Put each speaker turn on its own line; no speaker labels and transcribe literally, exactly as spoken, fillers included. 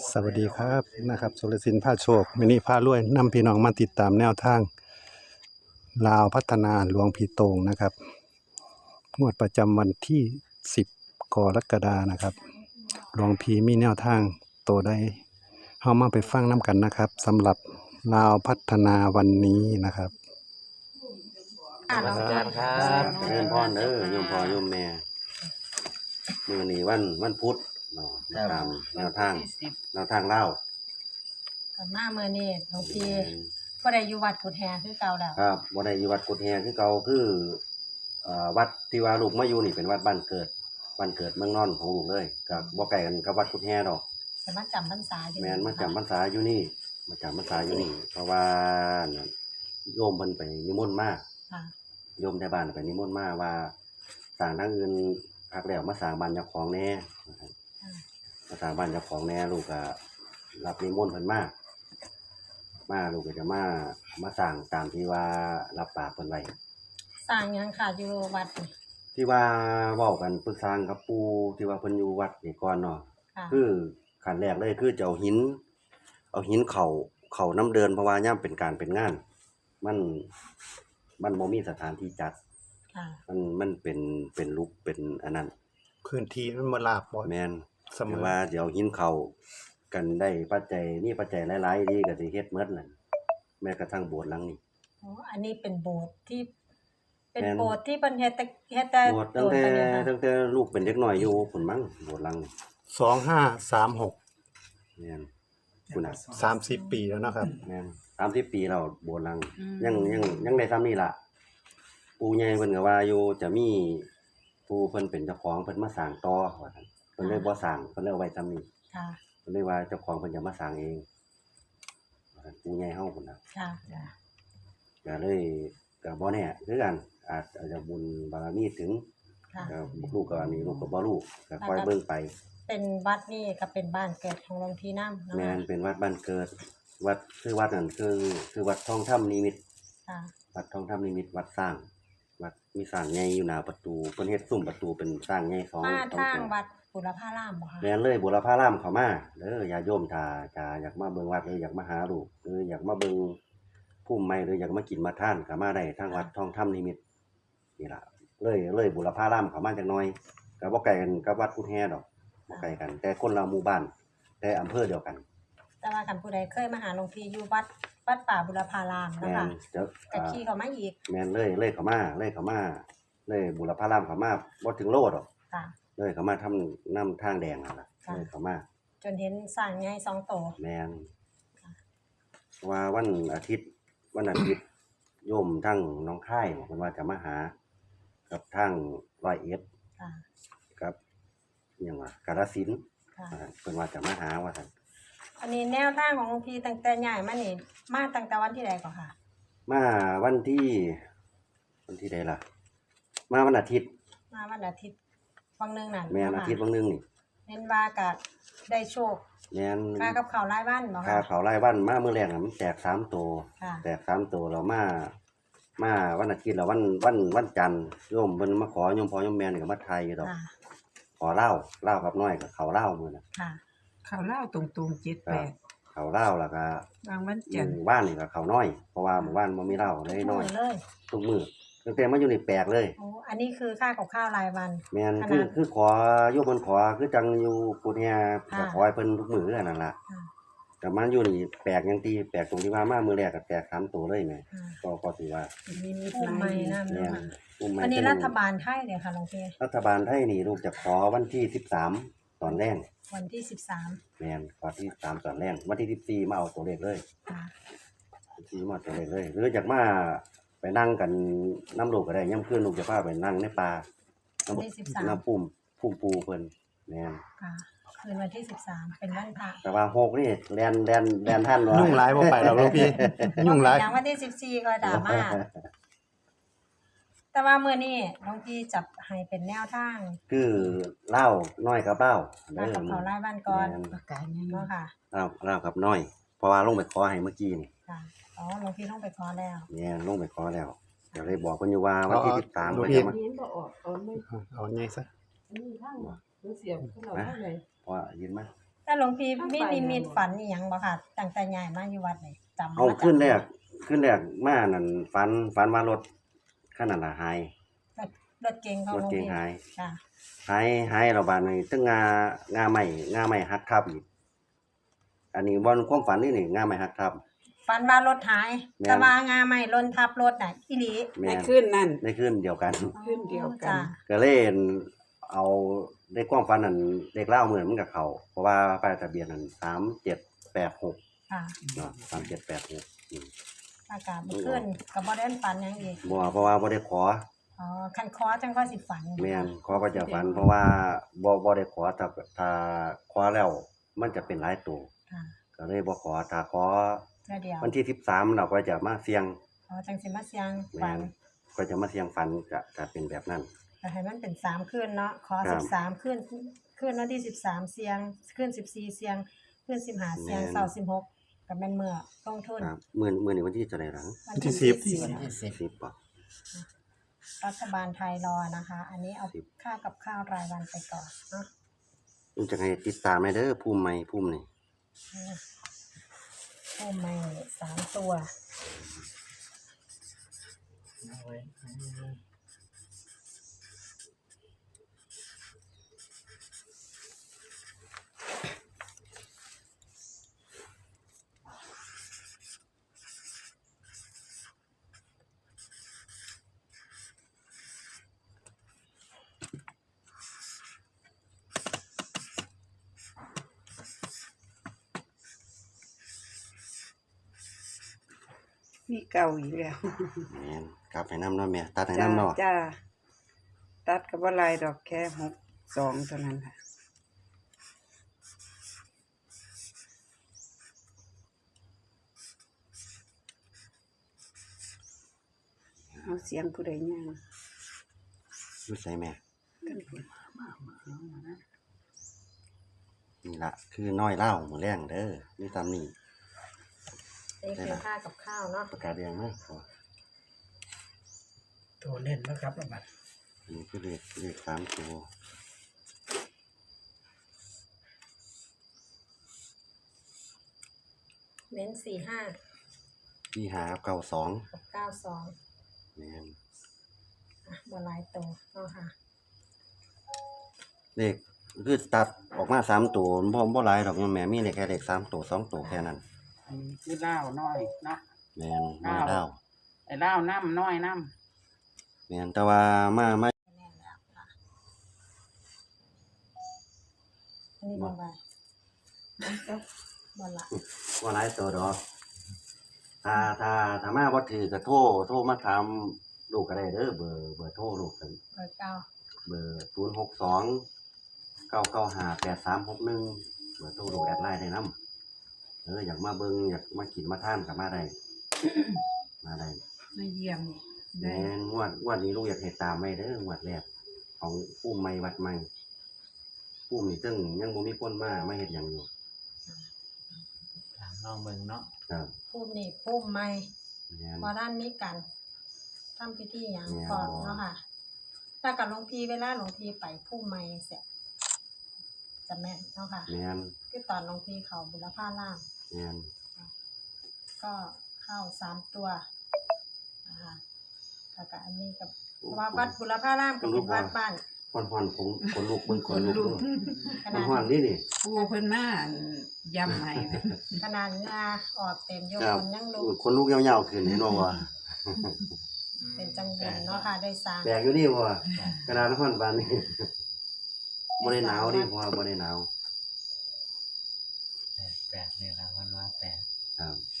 สวัสดีครับนะครับสุรศิลป์พาโชคมินิพารวยนำพี่น้องมาติดตามแนวทางลาวพัฒนาหลวงพี่โตงนะครับงวดประจำวันที่สิบกรกฎานะครับหลวงพี่มีแนวทางโตได้เฮามาไปฟังน้ำกันนะครับสำหรับลาวพัฒนาวันนี้นะครับ
อาจารย์ครับเริ่มพรเด้อโยมพ่อโยมแม่มื้อนี้วันวันพุธเนาะตามแนวทางแนวทางเล่า
กับมาเมื่อนี้หลวงพี่ก็ได้อยู่วัดกุฎแฮคือเก่าแล้ว
ครับบ่ได้อยู่วัดกุฎแฮคือเก่าคือเอ่อวัดที่ว่าลูกมาอยู่นี่เป็นวัดบ้านเกิดบ้านเกิดเมืองนอนของลูกเลยก็บ่ไกลกันกับวัดกุฎแฮดอก
แต่มาจำพรรษาอยู่
แม่นมาจำพรรษาอยู่นี่มาจำพรรษาอยู่นี่เพราะว่าโยมเพิ่นไปนิมนต์มา
ค่ะ
โยมในบ้านไปนิมนต์มาว่าสร้างทางอื่นพักแล้วมาสร้างบ้านเจ้าของแน่มาสร้างบ้านเจ้าของแน่ลูกก็รับนิมนต์เพิ่นมามาลูกก็จะมามาสร้างตามที่ว่ารับปากเพิ่นไว้
สร้างหยังค่ะอยู่วัดนี่
ที่ว่าเว้ากันปรึกษากับปู่ที่ว่าเพิ่นอยู่วัดนี่ก่อนเนาะคือขั้นแรกเลยคือจะเอาหินเอาหินเข้าเข้าน้ำเดินเพราะว่ายามเป็นการเป็นงานมันมันบ่มีสถานที่จัดมันมันเป็นเป็นรูปเป็นอันนั้น
พื้นที่มันบ่ราบบ่
แม่นสมมุติว่าเดี๋ยวหินเข้ากันได้ปัจจัยนี่ปัจจัยหลายๆดีก็สิเฮ็ดหมดนั่นแม้กระทั่งโบสถ์หลังนี้
อ๋ออันนี้เป็นโบสถ์ที่เป็นโบสถ์ที่เพิ่นเฮ็ดแต่เฮ็ดแต่
โบสถ์ตั้งแต่ตั้งแต่ลูกเป็นเด็กน้อยอยู่พุ่นมั้งโบสถ์หลัง
สองห้าสามหก
แม่นพุ่นน่ะ
สามสิบปีแล้วนะครับ
แม่นสามสิบปีแล้วโบสถ์หลังยังยังยังได้ซ้ำนี่ล่ะปู่ใหญ่เพิ่นก็ว่าอยู่จะมีผู้เพิ่นเป็นเจ้าของเพิ่นมาสร้างต่อว่าซั่นเพิ่นเลยบ่สร้างเพิ่นเลยเอาไว้ซ้ำนี้
ค่ะ
เพิ่นเลยว่าเจ้าของเพิ่นจะมาสร้างเองว่าซั่นปู่ใหญ่เฮาพุ่นน่ะ
ค่ะจ้ะ
ก็เลยก็บ่แน่คือกันอาจจะบุญบารมีถึงก็ลูกก็อันนี้ลูกก็บ่รู้ก็ค่อยเบิ่งไป
เป็นวัดนี่ก็เป็นบ้านเกิดของหลวงพี่นำเนาะ
แม่นเป็นวัดบ้านเกิดวัดคือวัดนั่นคือคือวัดทองธรรมนิมิต
ค่ะ
วัดทองธรรมนิมิตวัดสร้างวัดมีสร้างใหญ่อยู่หน้าประตูเพิ่นเฮ็ดซุ้มประตูเป็นสร้างใหญ่สอง
มาทางวัดบุรพารามบ่คะ
แม่นเลยบุรพารามเข้ามาเด้อญาติโยมถ้าจะอยากมาเบิ่งวัดหรืออยากมาหาลูกหรืออยากมาเบิ่งภูมิใหม่หรืออยากมากินมาทานก็มาได้ทางวัดทองธรรมนิมิตนี่ล่ะเลยเลยบุรพารามเข้ามาจักหน่อยก็บ่ไกลกันกับวัดกุฎแฮดอกบ่ไกลกันแต่คนละหมู่บ้านแต่อำเภอเดียวกัน
แต่ว่าคันผู้ใดเคยมาหาหลวงพี่อยู่วัดวัดป่าบุรพารามนะคะก็ขี่เข้ามาอีก
แม่นเลยเลยเข้ามาเลยเข้ามาเลยบุรพารามเข้ามาบ่ถึงโลดอก
ค่ะ
เลยเข้ามาทำนำทางแดงนั่นล่ะเลยเข้ามา
จนเห็นสร้างใหญ่สองโต
แม่นว่าวันอาทิตย์วันอาทิตย์โยมทั้งน้องค่ายเพิ่นว่าจะมาหากับทางร้อยเอ็ด
ค่ะ
กับอิหยังว่ากาฬสินธุ์เพิ่นว่าจะมาหาว่าซั่น
อันนี้แนวทางของหลวงพี่ตั้งแต่ย้ายมานี่มาตั้งแต่วันที่ใดก่อนค่ะ
มาวันที่วันที่ใดล่ะมาวันอาทิตย์
มาวันอาทิตย์วังนึงนั่น
แม่นอาทิตย์วังนึงนี่
เน้นว่าก็ได้โชค
แม่น
ค่ากับข้าวรายวันบ่
ค่ะค่าข้าวรายวันมามื้อแรกน่ะมันแตกสามตัวแตกสามตัวแล้วมามาวันอาทิตย์แล้ววันวันวันจันทร์โยมเพิ่นมาขอโยมพ่อโยมแม่นี่ก็มาไทยอยู่ดอกขอเหล้าเหล้ากับน้อยก็ข้าวเหล้ามื้อน่ะ
ค่ะ
ข้าวเหล้าตรงๆเจ็ดแปด
ข้าวเหล้าแล้วก็
บางวันจันทร์
บ้านนี่ก็ข้าวน้อยเพราะว่าหมู่บ้านบ่มีเหล้าเลยน้อยทุกมื้อตั้งแต่มาอยู่นี่แปลกเลย
อ๋ออันนี้คือค่ากับข้าวรายวัน
แม่นคือคือขอโยมเพิ่นขอคือจังอยู่กุฎแฮก็ขอให้เพิ่นทุกมื้อคือกันนั่นล่ะแต่มาอยู่นี่แปลกหยังติแปลกตรงที่ว่ามามื้อแรกก็แตกสามตัวเลยแม่ก็ก็ถือว่า
มีมีภูมิใหม่นำ
เนาะ
อันนี้รัฐบาลไทยเนี่ยค่ะหลวงพี่
รัฐบาลไทยนี่ลูกจะขอวันที่สิบสามตอนแรก
วันที่สิบสาม
แม่นขอที่สิบสามตอนแรกวันที่สิบสี่มาเอาตัวเลขเลย
ค่ะ
สิบสี่มาตัวเลขเลยหรืออยากมาไปนั่งกันน้ำลูกก็ได้ยามคืนลูกจะพาไปนั่งในป่าน้ำน้ำปุ่มพุ่มปูเพิ่นแม่น
ค่ะคืนวันที่สิบสามเป็นวันพระ
แต่ว่าหกนี่แล่นแล่นแล่นทันเนาะ
ยุ่งหลายบ่ไปดอกหลวงพี่ยุ่งหลาย
อย่างวันที่สิบสี่ก็ดราม่าแต่ว่ามื้อนี้หลวงพี่จับให้เป็นแนวทาง
คือเหล้าน้อยกับเหล้า
เด้อกับเขารายวันก่อน
ประกาศยัง
เนาะค่ะ
เหล้าเหล้ากับน้อยเพราะว่าลงไปขอให้เมื่อกี้นี่
ค่ะอ๋อหลวงพี่ลงไปขอแล้ว
เนี่ยลงไปขอแล้วเดี๋ยวเลยบอกเพิ่นอยู่ว่าวันที่สิบสาม
เพิ่นจะมาเอาไงซะ
นี่ทางบ่เสียบเขาเอาได้
เพราะว่ายินมา
แต่แต่หลวงพี่มีนิมิตฝันอีหยังบ่ค่ะตั้งแต่ย้ายมาอยู่วัดนี่จำ
เอา
มาจาก
ขึ้นแรกขึ้นแรกมานั่นฝันฝันว่ารถคันนั้นน่ะหาย
รถรถเก๋งของ
ร
ห
ถ
ลวง
เก๋ง
พี่
หาย
ค่ะ
หายหายแล้วบาดนี้ตึงงางาใหม่งาใหม่หักทับอีกอันนี้บ่ความฝันนี่นี่งาใหม่หักทับ
ฝันว่ารถหาย
แม่น
แต่ว่างาใหม่ล้นทับรถน่ะอีหลี
แม่
ใน
น
คืนนั่น
ในคืนเดียวกัน
ขึ้นเดียวกัน
จ้ะ
ก็เลยเอาได้ความฝันนั้นเลขเล่าเหมือนมันกับเขาเพราะว่าป้ายทะเบียนนั้นสามเจ็ดแปดหก
ค่ะ
เนาะสามเจ็ดแปดหกอืม
อากาศบ่ขึ้นก็บ่ได้ฝันหยังอีก
บ่เพราะว่าบ่ได้ขอ
อ๋อคันคอจังค่อยสิฝัน
แม่นขอก็จะฝัน เพราะว่าบ่บ่ได้ขอถ้าถ้าขอแล้ว มันจะเป็นหลายตัว
ค่ะ
ก็เลยบ่ขอถ้าขอ
เทื่อเดียว
วันที่สิบสามเราก็จะมาเสี่ยง
อ๋อจังสิมาเสียง
แม่
ฝัน
นก็จะมาเสี่ยงฝันก็จะเป็นแบบนั้น
ก็ให้มันเป็นสามคืนเนาะขอ
ครับ
สิบสามคืนคืนวันที่สิบสามเสียงคืนสิบสี่เสียงคืนสิบห้าเสียง
แม่น
เสาร์สิบหกก็แม่นมื้อลงทุน
ครับมื้อมื้อนี้วันที่เท่าไหร่หลัง
วัน
ที่
ที่
สิบ
สิบ
สิบป่ะ
รัฐบาลไทยรอนะคะ อันนี้เอา
สิบ
ค่ากับข้าวรายวันไปก่อนเนาะ
มันจะให้ติดตามให้เด้อภูมิใหม่ภูมินี่
โอ้ไม่สามตัว
มีเก่าอีกแล้ว
แม่นกลับให้นำเนาะแม่ตัดให้
จ้าน
ำเนาะ
จ้าตัดกับว่าลายดอกแค่หกสองเท่านั้นค่ะเอาเสียงผู้ใดย่าง
อยู่ไสแม่
กันพุ่น
นี่ละคือน้อยเล่าหมูแรงเด้อมีตามนี่
นี่คือค่ากับข้าวเนาะ
ประกาศแดงมากพอ
ตัวเล่นนะครับระบัด
นี่คือเลขเลขสามตัว
เน้นสี่ห้า
ที่หาเก้าสอง
กับเก้าสอง
แม่น
อ่ะบนลายตัวเนาะค่ะ
เลขคือตัดออกมาสามตัวบ่บ่หลายดอกแม่มีได้แค่เลขสามตัวสองตัวแค่นั้น
อันนี้คือเล่าวน้อยเนาะ
แม่นน้อยเล่า
ไอ้เล่าวน้ำน้อยน้
แม่นแต่ว่ามามา
แน่นแล้วค่ะอันนี้บนลายบนละ
บ่หลายตัวดอกถ้าถ้าถ้ามาบ่ถือก็โทรโทรมาถามลูกก็ได้เด้อเบอร์เบอร์โทรลูกกัน
เบอร์เก้า
เบอร์ศูนย์หกสองเก้าเก้าห้าแปดสามหกหนึ่งเบอร์โทรลูกแอดไลน์ได้นำเอออยากมาเบิ่งอยากมากินมาทานก็มาได้ มาได้
ๆมาเยี่ยมได้
แม่นงวดงวดนี้ลูกอยากให้ตามไว้เด้องวดแรกของปุ้มใหม่วัดใหม่ปุ้มนี่ซึ่งยังบ่มีคนมามาเฮ็ดหยังอยู่
ถามน้องเบิ่งเนาะ
ครับ
พุ่มนี่พุ่มไม่
แม่น
พอด้านนี้กันทำพิธีอย่าง
แม่น
ก่อนเนาะค่ะ ถ้ากับหลวงพี่เวลาหลวงพี่ไปพุ่มไม่เสร็จจะแม่นเนาะค่ะ
แม่น
คือตอนหลวงพี่เขาบุรพาล่าง
แม่น
ก็เข้าสามตัวนะคะแล้วก็อันนี้กับเพราะว่าวัดบุรพารามก็เป็นวัดบ้าน
พอนพอนผมคนลูกเบิ่งคนลูก
ข
มัน
นาด
ฮ้อนนี่นี่
ปูเพิ่นมาย่ำให้นะ
ขนาดเหงาออกเต็มโย
ครับ
คนยังลุก
คนลูกยาวๆขึ้นเห็นบ่ว่า
เป็นจังเย็นเนาะค่ะได้สร้าง
แปลกอยู่นี่บ่กระดานฮ้อนปานนี้บ่ได้หนาวนี่เพราะว่าบ่ได้หนาว
แปดแปดนี่ละวันว่าแปด
ครับ